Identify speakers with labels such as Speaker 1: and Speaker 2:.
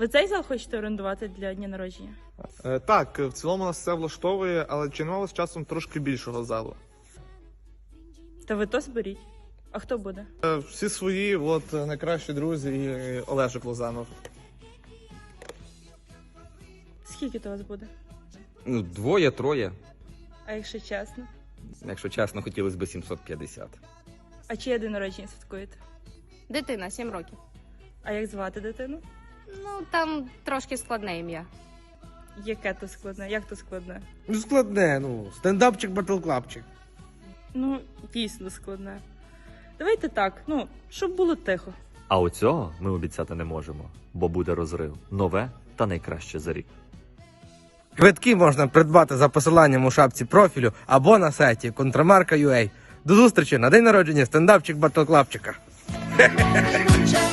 Speaker 1: Ви цей зал хочете орендувати для дня народження?
Speaker 2: Так, в цілому нас все влаштовує, але чи немає з часом трошки більшого залу?
Speaker 1: Та ви то зберіть. А хто буде?
Speaker 2: Всі свої, найкращі друзі і Олежик Лозанов.
Speaker 1: Скільки то вас буде?
Speaker 3: Ну, 2-3.
Speaker 1: А якщо чесно?
Speaker 3: Якщо чесно, хотілося б 750.
Speaker 1: А чиє день народження святкуєте?
Speaker 4: Дитина, 7 років.
Speaker 1: А як звати дитину?
Speaker 4: Ну, там трошки складне ім'я.
Speaker 1: Яке то складне? Як то складне?
Speaker 5: Ну, складне, стендапчик, батлклапчик.
Speaker 1: Ну, дійсно складне. Давайте так, щоб було тихо.
Speaker 6: А оцього ми обіцяти не можемо, бо буде розрив. Нове та найкраще за рік.
Speaker 5: Квитки можна придбати за посиланням у шапці профілю або на сайті Контрамарка.ua. До зустрічі на день народження стендапчик батлклапчика.